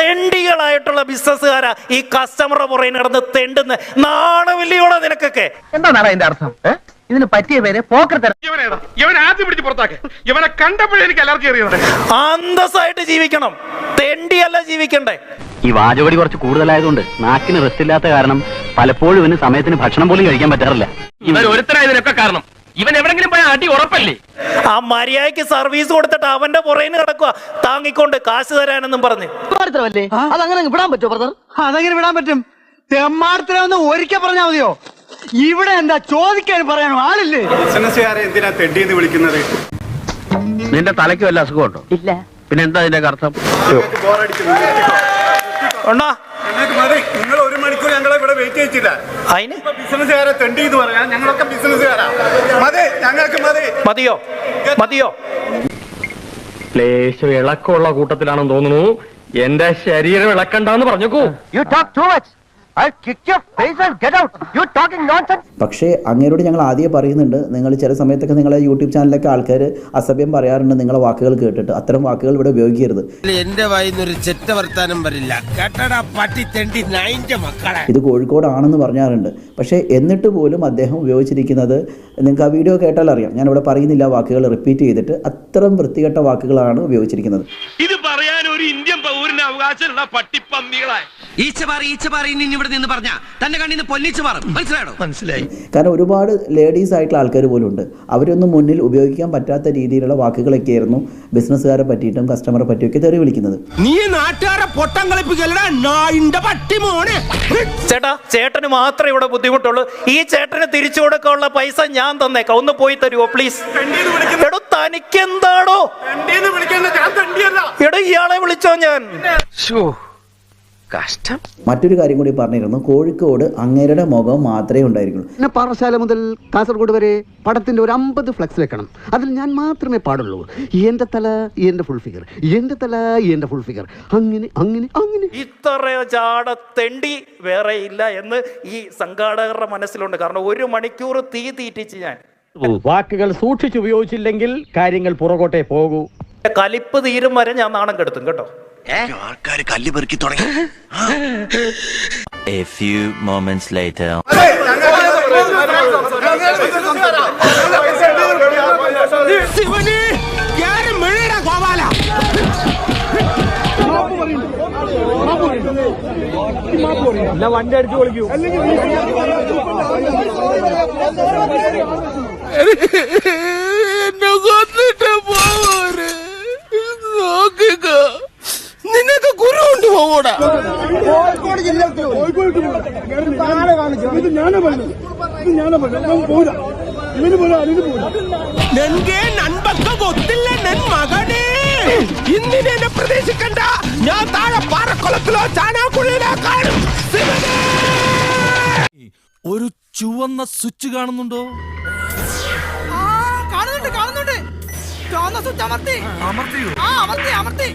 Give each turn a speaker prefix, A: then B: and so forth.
A: തെണ്ടികളായിട്ടുള്ള ബിസിനസ്സുകാരാ ഈ കസ്റ്റമറുടെ പുറകെ നടന്ന് തെണ്ടുന്ന നാണമില്ലയോടെ നിനക്കൊക്കെ.
B: എന്താണ് അതിന്റെ അർത്ഥം? ഇതിന് പറ്റിയ പേര് പോക്കർ.
C: ഇവനെ ആദ്യം പിടിച്ച് പുറത്താക്ക്. ഇവനെ കണ്ടപ്പോഴേ എനിക്ക് അലർജി അറിയുന്നത്.
A: അന്തസ്സായിട്ട് ജീവിക്കണം, തെണ്ടിയല്ല ജീവിക്കണ്ടേ.
D: ഈ വാചകടി കുറച്ച് കൂടുതലായതുകൊണ്ട് നാക്കിന് റെസ്റ്റ് ഇല്ലാത്ത കാരണം പലപ്പോഴും ഇവന് സമയത്തിന് ഭക്ഷണം പോലും കഴിക്കാൻ പറ്റാറില്ല.
C: ഇവൻ ഒരുത്തരായതിനൊക്കെ കാരണം ഇവൻ എവിടെങ്കിലും പോയ അടി ഉറപ്പല്ലേ.
A: ആ മര്യാദയ്ക്ക് സർവീസ് കൊടുത്തിട്ട് അവന്റെ പുറകെ കിടക്കുക താങ്ങിക്കൊണ്ട് കാശ് തരാനെന്നും പറഞ്ഞ്.
B: അതങ്ങനെ വിടാൻ പറ്റുമോ ബ്രദർ?
E: അതെങ്ങനെ വിടാൻ പറ്റും? തെമ്മാടത്തിലൊന്ന് ഒരിക്കൽ പറഞ്ഞാൽ മതിയോ? ഇവിടെ എന്താ ചോദിക്കാൻ പറയാനോ ആളില്ലേ?
F: ബിസിനസ്സുകാരെ എന്തിനാ തെണ്ടിയെന്ന് വിളിക്കുന്നത്?
D: നിന്റെ തലയ്ക്ക് വല്ല അസുഖമുണ്ടോ? ഇല്ല. പിന്നെ എന്താ അതിന്റെ അർത്ഥം?
A: ഉണ്ടോ?
F: നിങ്ങൾ 1 മണിക്കൂർ ഞങ്ങളെ ഇവിടെ വെയിറ്റ് ചെയ്യിച്ചില്ല.
A: അതിന്
F: ബിസിനസ്സുകാരെ തെണ്ടി എന്ന് പറയാൻ ഞങ്ങളൊക്കെ ബിസിനസ്സുകാരാ. മതി, ഞങ്ങൾക്ക്
A: മതിയോ? മതിയോ?
C: ലേശം ഇളക്കമുള്ള കൂട്ടത്തിലാണെന്ന് തോന്നുന്നു. എന്റെ ശരീരം ഇളക്കണ്ടെന്ന് പറഞ്ഞേക്കൂ.
B: You talk too much. I'll kick your face and get out. You talking nonsense.
G: പക്ഷേ അങ്ങേരോട് ഞങ്ങൾ ആദ്യം പറയുന്നുണ്ട്, നിങ്ങൾ ചില സമയത്തൊക്കെ നിങ്ങളെ യൂട്യൂബ് ചാനലിലൊക്കെ ആൾക്കാർ അസഭ്യം പറയാറുണ്ട് നിങ്ങളെ വാക്കുകൾ കേട്ടിട്ട്. അത്തരം വാക്കുകൾ ഇവിടെ ഉപയോഗിക്കരുത്.
H: എന്റെ വായിന്നൊരു ചെറ്റ വർത്താനം വരില്ല. കേട്ടടാ പട്ടി തെണ്ടി നായിന്റെ മക്കളെ.
G: ഇത് കോഴിക്കോടാണെന്ന് പറഞ്ഞാറുണ്ട്. പക്ഷേ എന്നിട്ട് പോലും അദ്ദേഹം ഉപയോഗിച്ചിരിക്കുന്നത്, നിങ്ങൾക്ക് ആ വീഡിയോ കേട്ടാൽ അറിയാം, ഞാനിവിടെ പറയുന്നില്ല വാക്കുകൾ റിപ്പീറ്റ് ചെയ്തിട്ട്, അത്തരം വൃത്തികെട്ട വാക്കുകളാണ് ഉപയോഗിച്ചിരിക്കുന്നത്.
C: ഇത് പറയാൻ ഒരു ഇന്ത്യൻ പൗരന് അവകാശമുള്ള പട്ടിപ്പന്നികളെ
H: ഇവിടെ നിന്ന് പറഞ്ഞ തന്റെ കണ്ണിന്ന് പൊന്നിച്ച് മാറും. മനസ്സിലായോ? മനസ്സിലായി.
G: കാരണം ഒരുപാട് ലേഡീസ് ആയിട്ടുള്ള ആൾക്കാർ പോലും ഉണ്ട്. അവരൊന്നും മുന്നിൽ ഉപയോഗിക്കാൻ പറ്റാത്ത രീതിയിലുള്ള വാക്കുകളൊക്കെ ആയിരുന്നു ബിസിനസ്സുകാരെ പറ്റിയിട്ടും കസ്റ്റമറെ പറ്റിയൊക്കെ തെറി വിളിക്കുന്നത്.
H: നീ നാട്ടുകാരെ പൊട്ടം കളിപ്പിക്കലടാ നായിന്റെ പട്ടി മോനെ.
A: ചേട്ടാ, ചേട്ടന് മാത്രമേ ഇവിടെ ബുദ്ധിമുട്ടുള്ളൂ. ഈ ചേട്ടന് തിരിച്ചു കൊടുക്കാനുള്ള പൈസ ഞാൻ തന്നേക്കാം. ഒന്ന് പോയി തരുമോ പ്ലീസ്? എടോ തനിക്കെന്താടോ? എടോ ഇയാളെ വിളിച്ചോ ഞാൻ.
H: കഷ്ടം.
G: മറ്റൊരു കാര്യം കൂടി പറഞ്ഞിരുന്നു, കോഴിക്കോട് അങ്ങേരുടെ മുഖം മാത്രമേ ഉണ്ടായിരിക്കുള്ളൂ.
E: പാറശാല മുതൽ കാസർഗോഡ് വരെ പടത്തിന്റെ ഒരു 50 ഫ്ലെക്സ് വെക്കണം. അതിൽ ഞാൻ മാത്രമേ പാടുള്ളൂ. എന്റെ തല എന്റെ ഫുൾ ഫിഗർ, എന്റെ തല എന്റെ ഫുൾ ഫിഗർ, അങ്ങനെ അങ്ങനെ അങ്ങനെ.
A: ഇത്രയോ ചാട തെണ്ടി വേറെ ഇല്ല എന്ന് ഈ സംഘാടകരുടെ മനസ്സിലുണ്ട്. കാരണം 1 മണിക്കൂർ തീ തീറ്റിച്ച് ഞാൻ.
I: വാക്കുകൾ സൂക്ഷിച്ചുപയോഗിച്ചില്ലെങ്കിൽ കാര്യങ്ങൾ പുറകോട്ടേ പോകൂ.
A: കലിപ്പ് തീരും വരെ ഞാൻ നാണം കെടുത്തും കേട്ടോ.
H: ആൾക്കാര് കല്ല് പെറുക്കി തുടങ്ങി.
D: A few moments later.
I: വണ്ടി അടിച്ചു പൊളിക്കൂ.
H: എന്നെ കൊന്നിട്ട് പോവര് നോക്കുക. നിനക്ക് കുരു കൊണ്ട് പോകൂടാ.
E: കോഴിക്കോട് ജില്ലക്ക്
H: നിന്റെ നൻപക്ക കൊത്തില്ല നൻ മകനെ. ഇന്നിനെ എന്നെ പ്രതീക്ഷിക്കണ്ട. ഞാൻ താഴെ പാറക്കുളത്തിലോ ചാനാക്കുഴിയിലോ കാണും.
I: ഒരു ചുവന്ന സ്വിച്ച് കാണുന്നുണ്ടോ?
E: കാണുന്നുണ്ട്. ചുവന്ന സ്വിച്ച് അമർത്തി.